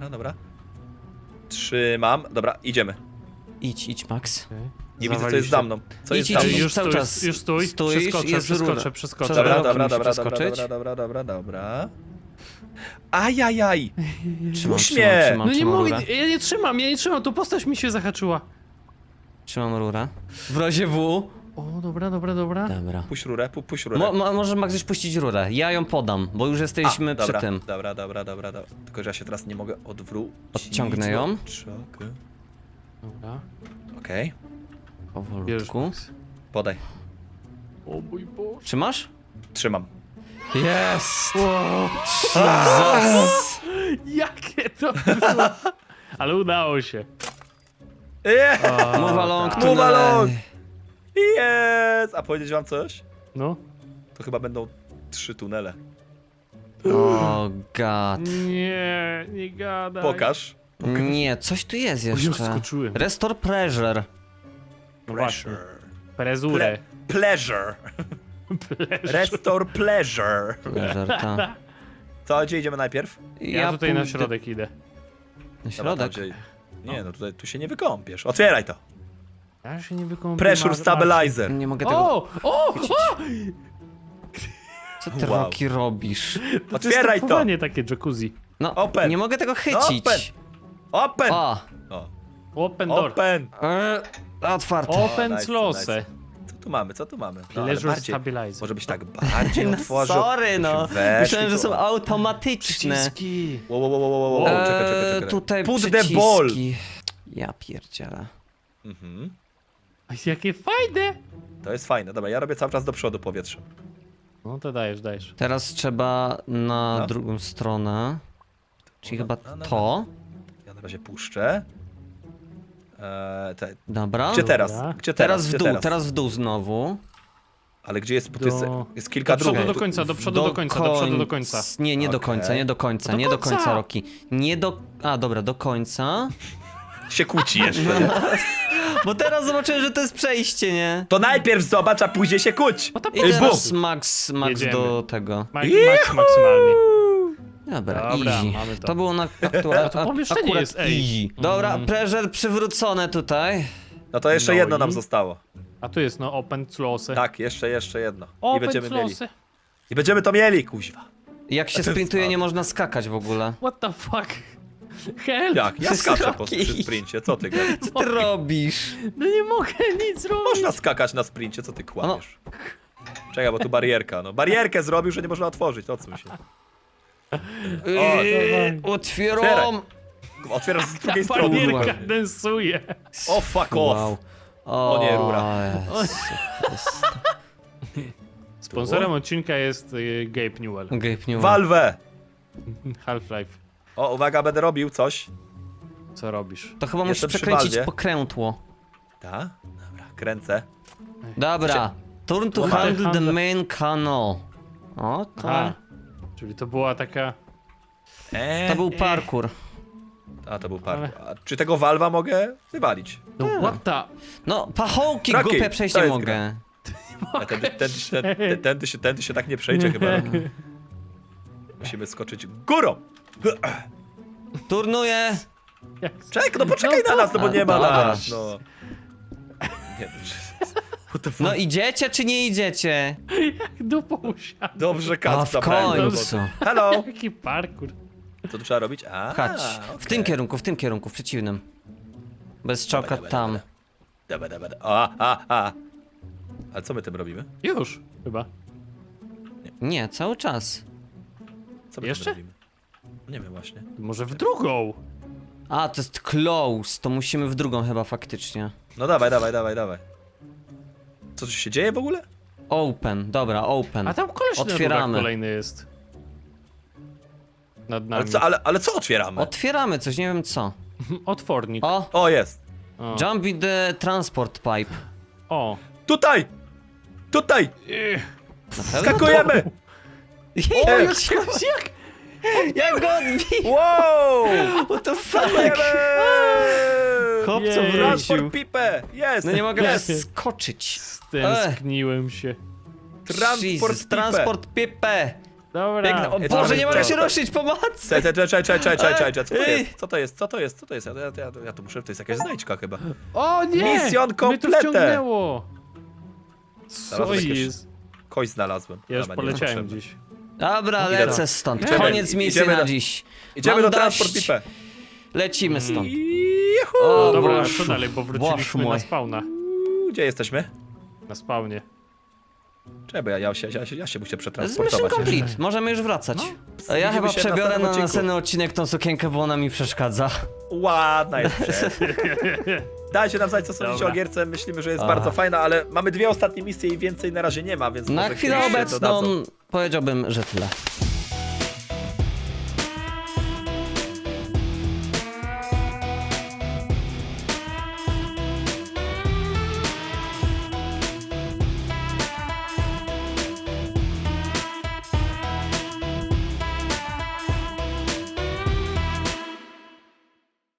[SPEAKER 1] Trzymam. Dobra, idziemy.
[SPEAKER 2] Idź, Max.
[SPEAKER 3] Okej.
[SPEAKER 1] Nie widzę, co
[SPEAKER 3] Zawali
[SPEAKER 1] jest
[SPEAKER 3] się.
[SPEAKER 1] za mną. Co jest
[SPEAKER 2] Idź,
[SPEAKER 1] za mną?
[SPEAKER 2] idź.
[SPEAKER 3] Już
[SPEAKER 2] cały
[SPEAKER 3] stój,
[SPEAKER 2] czas
[SPEAKER 3] już stój.
[SPEAKER 2] stoisz, jest rura.
[SPEAKER 3] Przeskoczę.
[SPEAKER 2] Przez
[SPEAKER 1] Dobra. Ajajaj. Puść mnie.
[SPEAKER 3] No nie
[SPEAKER 2] trzymam
[SPEAKER 3] mogę,
[SPEAKER 2] rurę.
[SPEAKER 3] ja nie trzymam, tu postać mi się zahaczyła.
[SPEAKER 2] Trzymam rurę. W razie W.
[SPEAKER 3] O, dobra.
[SPEAKER 2] Dobra.
[SPEAKER 1] Puść rurę, puść rurę.
[SPEAKER 2] Może Max już puścić rurę. Ja ją podam, bo już jesteśmy przy
[SPEAKER 1] dobra,
[SPEAKER 2] tym.
[SPEAKER 1] Dobra. Tylko, że ja się teraz nie mogę odwrócić.
[SPEAKER 2] Odciągnę ją.
[SPEAKER 1] Czekaj.
[SPEAKER 3] Dobra.
[SPEAKER 1] Okej.
[SPEAKER 3] Bierzesz,
[SPEAKER 2] Powolutku.
[SPEAKER 3] Max.
[SPEAKER 1] Podaj.
[SPEAKER 3] O mój Boże.
[SPEAKER 2] Trzymasz?
[SPEAKER 1] Trzymam.
[SPEAKER 2] Jest!
[SPEAKER 3] Wow.
[SPEAKER 2] Jesus!
[SPEAKER 3] Jakie to było? Ale udało się.
[SPEAKER 1] Yeah.
[SPEAKER 2] Move along
[SPEAKER 3] tak.
[SPEAKER 2] to
[SPEAKER 1] Move along.
[SPEAKER 2] the...
[SPEAKER 1] Jest! A powiedzieć wam coś?
[SPEAKER 3] No.
[SPEAKER 1] To chyba będą 3 tunele.
[SPEAKER 2] O god.
[SPEAKER 3] Nie gadaj.
[SPEAKER 1] Pokaż.
[SPEAKER 2] Nie, coś tu jest
[SPEAKER 3] O, już
[SPEAKER 2] jeszcze.
[SPEAKER 3] skoczyłem.
[SPEAKER 2] Restore pressure.
[SPEAKER 3] No właśnie.
[SPEAKER 1] Pressure.
[SPEAKER 3] Prezurę.
[SPEAKER 1] Pleasure. Restore pleasure.
[SPEAKER 2] Pleasure, ta.
[SPEAKER 1] Co, gdzie idziemy najpierw?
[SPEAKER 3] Ja tutaj na
[SPEAKER 2] pójdę-
[SPEAKER 3] środek idę.
[SPEAKER 2] Na
[SPEAKER 1] Dobra, tam,
[SPEAKER 2] środek?
[SPEAKER 1] gdzie... Nie, no tutaj tu się nie wykąpiesz. Otwieraj to.
[SPEAKER 3] Ja się nie wykąpię.
[SPEAKER 1] Pressure stabilizer.
[SPEAKER 2] Nie mogę tego...
[SPEAKER 3] O!
[SPEAKER 2] Co ty,
[SPEAKER 1] Wow.
[SPEAKER 2] Roki, robisz?
[SPEAKER 1] Otwieraj to.
[SPEAKER 3] Nie takie jacuzzi.
[SPEAKER 2] No,
[SPEAKER 1] Open.
[SPEAKER 2] nie mogę tego
[SPEAKER 1] Open.
[SPEAKER 2] chycić.
[SPEAKER 1] Open.
[SPEAKER 2] O!
[SPEAKER 1] O.
[SPEAKER 3] Open door.
[SPEAKER 1] Open.
[SPEAKER 2] Otwarte.
[SPEAKER 3] Open
[SPEAKER 1] nice,
[SPEAKER 3] close.
[SPEAKER 1] nice. Co tu mamy? No, ale
[SPEAKER 3] Pleasure
[SPEAKER 1] bardziej,
[SPEAKER 3] stabilizer.
[SPEAKER 1] może byś tak bardziej
[SPEAKER 2] No,
[SPEAKER 1] otworzył.
[SPEAKER 2] sorry, no.
[SPEAKER 1] Weź
[SPEAKER 2] Myślałem, że
[SPEAKER 1] tylko-
[SPEAKER 2] są automatyczne.
[SPEAKER 3] Przyciski.
[SPEAKER 1] Wow. Czekaj.
[SPEAKER 2] Tutaj
[SPEAKER 1] Put the
[SPEAKER 2] przyciski.
[SPEAKER 1] ball.
[SPEAKER 2] Ja pierdzielę.
[SPEAKER 1] Mhm.
[SPEAKER 3] Jakie fajne.
[SPEAKER 1] To jest fajne. Dobra, ja robię cały czas do przodu powietrzem.
[SPEAKER 3] No to dajesz.
[SPEAKER 2] Teraz trzeba na
[SPEAKER 1] No.
[SPEAKER 2] drugą stronę. Czyli chyba
[SPEAKER 1] no.
[SPEAKER 2] to.
[SPEAKER 1] Ja na razie puszczę.
[SPEAKER 2] Dobra.
[SPEAKER 1] Gdzie teraz?
[SPEAKER 3] Dobra.
[SPEAKER 1] Gdzie teraz?
[SPEAKER 2] Teraz w
[SPEAKER 1] Gdzie
[SPEAKER 2] dół, teraz w dół znowu.
[SPEAKER 1] Ale gdzie jest? Tu jest,
[SPEAKER 3] Do-
[SPEAKER 1] jest kilka
[SPEAKER 3] Do przodu
[SPEAKER 1] dróg.
[SPEAKER 3] do końca, do przodu do końca.
[SPEAKER 2] Nie, nie do
[SPEAKER 1] Okej.
[SPEAKER 2] końca, nie do końca,
[SPEAKER 3] Do
[SPEAKER 2] nie do
[SPEAKER 3] końca.
[SPEAKER 2] końca, Roki. Nie do... A, dobra, do końca.
[SPEAKER 1] Się kłóci jeszcze.
[SPEAKER 2] Bo teraz zobaczyłem, że to jest przejście, nie?
[SPEAKER 1] To najpierw zobacz, a później się kłóć.
[SPEAKER 3] No to
[SPEAKER 2] I
[SPEAKER 1] Ej,
[SPEAKER 2] teraz
[SPEAKER 1] bum.
[SPEAKER 2] Max
[SPEAKER 3] Jedziemy.
[SPEAKER 2] do tego.
[SPEAKER 3] Max maksymalnie.
[SPEAKER 2] Dobra,
[SPEAKER 3] Dobra,
[SPEAKER 2] easy.
[SPEAKER 3] mamy to.
[SPEAKER 2] To było na
[SPEAKER 3] A to pomieszczenie
[SPEAKER 2] akurat
[SPEAKER 3] jest, ej.
[SPEAKER 2] easy. Dobra, pressure przywrócone tutaj.
[SPEAKER 1] No to jeszcze
[SPEAKER 3] No
[SPEAKER 1] jedno
[SPEAKER 3] i?
[SPEAKER 1] nam zostało.
[SPEAKER 3] A tu jest no open close.
[SPEAKER 1] Tak, jeszcze jedno. I
[SPEAKER 3] Open
[SPEAKER 1] będziemy mieli.
[SPEAKER 3] close.
[SPEAKER 1] I będziemy to mieli, kuźwa.
[SPEAKER 2] Jak się
[SPEAKER 1] To jest
[SPEAKER 2] sprintuje,
[SPEAKER 1] słabe.
[SPEAKER 2] nie można skakać w ogóle.
[SPEAKER 3] What the fuck? Help!
[SPEAKER 1] Jak? Ja
[SPEAKER 2] Jest
[SPEAKER 1] skaczę
[SPEAKER 2] Rocky.
[SPEAKER 1] przy sprincie, co ty gadasz?
[SPEAKER 2] Co ty robisz?
[SPEAKER 3] No nie mogę nic zrobić.
[SPEAKER 1] Można skakać na sprincie, co ty kłamiesz? Czekaj, bo tu barierka, no. Barierkę zrobił, że nie można otworzyć, odsuń się.
[SPEAKER 2] Otwieram!
[SPEAKER 1] Otwierasz z
[SPEAKER 3] Ta
[SPEAKER 1] drugiej strony.
[SPEAKER 3] panierka densuje.
[SPEAKER 1] O, fuck off.
[SPEAKER 2] Wow.
[SPEAKER 1] O nie, rura.
[SPEAKER 2] Jezu Chryste.
[SPEAKER 3] Sponsorem odcinka jest Gabe Newell.
[SPEAKER 2] Gabe Newell.
[SPEAKER 1] Valve!
[SPEAKER 3] Half-Life.
[SPEAKER 1] O, uwaga, będę robił coś.
[SPEAKER 3] Co robisz?
[SPEAKER 2] To chyba musisz
[SPEAKER 1] Jestem przy
[SPEAKER 2] przekręcić
[SPEAKER 1] Valve.
[SPEAKER 2] pokrętło.
[SPEAKER 1] Tak? Dobra, kręcę.
[SPEAKER 2] Dobra. Turn to
[SPEAKER 1] Dobra.
[SPEAKER 2] handle the main canal. O, to...
[SPEAKER 3] Aha. Czyli to była taka...
[SPEAKER 2] To był parkour.
[SPEAKER 1] A, to był parkour. A czy tego Valve'a mogę wywalić?
[SPEAKER 3] No what the...
[SPEAKER 2] No, pachołki
[SPEAKER 1] Rocky,
[SPEAKER 2] głupie
[SPEAKER 1] to
[SPEAKER 2] przejść nie
[SPEAKER 1] jest
[SPEAKER 2] mogę.
[SPEAKER 1] A tędy się tak nie przejdzie chyba. Musimy skoczyć górą.
[SPEAKER 2] Turnuję.
[SPEAKER 1] Czekaj, no poczekaj na nas, no bo nie ma
[SPEAKER 2] Dobra.
[SPEAKER 1] nas, no. Nie, what the fuck?
[SPEAKER 2] No idziecie czy nie idziecie?
[SPEAKER 3] Dupą usiadł.
[SPEAKER 1] Dobrze,
[SPEAKER 2] A
[SPEAKER 1] Kac
[SPEAKER 2] w
[SPEAKER 1] zabrałem do
[SPEAKER 2] końcu.
[SPEAKER 1] roboty. Hello!
[SPEAKER 3] Jaki parkour.
[SPEAKER 1] Co tu trzeba robić? A,
[SPEAKER 2] Chodź. W tym kierunku, w przeciwnym. Bez czołka tam.
[SPEAKER 1] Dobra. Ale co my tym robimy?
[SPEAKER 3] Już, chyba.
[SPEAKER 2] Nie, cały czas.
[SPEAKER 1] Co my
[SPEAKER 3] Jeszcze?
[SPEAKER 1] tym robimy? Nie wiem właśnie.
[SPEAKER 3] Może w drugą.
[SPEAKER 2] A, to jest close. To musimy w drugą chyba faktycznie.
[SPEAKER 1] No dawaj. Co tu się dzieje w ogóle?
[SPEAKER 2] Open, dobra, open.
[SPEAKER 3] A tam koleś na
[SPEAKER 2] Otwieramy.
[SPEAKER 3] rurach kolejny jest. nad nami.
[SPEAKER 1] Ale co otwieramy?
[SPEAKER 2] Otwieramy coś, nie wiem co.
[SPEAKER 3] Otwornik.
[SPEAKER 2] O,
[SPEAKER 1] Jest.
[SPEAKER 3] O.
[SPEAKER 2] jump in the transport pipe.
[SPEAKER 3] O.
[SPEAKER 1] Tutaj! Tutaj!
[SPEAKER 2] Na pewno?
[SPEAKER 1] Skakujemy!
[SPEAKER 2] O,
[SPEAKER 3] Jak
[SPEAKER 2] jak go odbił!
[SPEAKER 1] Wow!
[SPEAKER 2] What the fuck?
[SPEAKER 1] Skakujemy!
[SPEAKER 2] Chłopco
[SPEAKER 3] Jej.
[SPEAKER 2] wrócił.
[SPEAKER 1] Transport pipę! Jest!
[SPEAKER 2] No nie mogę
[SPEAKER 3] Jest.
[SPEAKER 2] skoczyć.
[SPEAKER 3] Stęskniłem się.
[SPEAKER 1] Transport
[SPEAKER 2] Jesus,
[SPEAKER 1] pipę.
[SPEAKER 2] transport pipę.
[SPEAKER 3] Dobra.
[SPEAKER 2] Biegnę. O
[SPEAKER 1] Jest
[SPEAKER 2] Boże, nie mogę
[SPEAKER 1] nawet
[SPEAKER 2] się
[SPEAKER 1] często.
[SPEAKER 2] ruszyć, pomocy!
[SPEAKER 1] Czekaj, co to
[SPEAKER 2] Ej.
[SPEAKER 1] jest? Co to jest? Co to jest? Co to jest? Ja tu muszę, to jest jakaś znajdźka chyba.
[SPEAKER 3] O nie!
[SPEAKER 1] Mission
[SPEAKER 3] Mnie
[SPEAKER 1] complete.
[SPEAKER 3] tu wciągnęło. Co
[SPEAKER 1] Znalazłem jakieś-
[SPEAKER 3] jest?
[SPEAKER 1] Kość znalazłem.
[SPEAKER 3] Ja już
[SPEAKER 1] Dobra, nie
[SPEAKER 3] poleciałem
[SPEAKER 1] potrzebne.
[SPEAKER 3] gdzieś.
[SPEAKER 2] Dobra,
[SPEAKER 1] Idę
[SPEAKER 2] lecę
[SPEAKER 1] do-
[SPEAKER 2] stąd.
[SPEAKER 1] Idziemy-
[SPEAKER 2] Koniec misji
[SPEAKER 1] idziemy
[SPEAKER 2] na
[SPEAKER 1] do-
[SPEAKER 2] dziś.
[SPEAKER 1] Idziemy
[SPEAKER 2] Mam
[SPEAKER 1] do
[SPEAKER 2] dość.
[SPEAKER 1] transport pipę.
[SPEAKER 2] Lecimy stąd.
[SPEAKER 1] Juhu!
[SPEAKER 2] O,
[SPEAKER 3] Dobra, a
[SPEAKER 2] Boże.
[SPEAKER 3] co dalej, bo
[SPEAKER 2] Boże
[SPEAKER 3] wróciliśmy
[SPEAKER 2] mój.
[SPEAKER 3] na spawna.
[SPEAKER 1] Gdzie jesteśmy?
[SPEAKER 3] Na spawnie.
[SPEAKER 1] Czekaj, bo ja się muszę
[SPEAKER 2] Z Mission
[SPEAKER 1] przetransportować.
[SPEAKER 2] complete, możemy już wracać. A ja
[SPEAKER 1] Widzimy
[SPEAKER 2] chyba
[SPEAKER 1] się w
[SPEAKER 2] przebiorę
[SPEAKER 1] następnym
[SPEAKER 2] na
[SPEAKER 1] odcinku.
[SPEAKER 2] następny odcinek tą sukienkę, bo ona mi przeszkadza.
[SPEAKER 1] Ładna jest przed. Dajcie nam znać, co sądzicie
[SPEAKER 3] Dobra.
[SPEAKER 1] o gierce. Myślimy, że jest
[SPEAKER 2] A.
[SPEAKER 1] bardzo fajna, ale mamy 2 ostatnie misje i więcej na razie nie ma, więc
[SPEAKER 2] Na
[SPEAKER 1] może
[SPEAKER 2] chwilę
[SPEAKER 1] kiedyś się
[SPEAKER 2] obecną
[SPEAKER 1] dodadzą.
[SPEAKER 2] powiedziałbym, że tyle.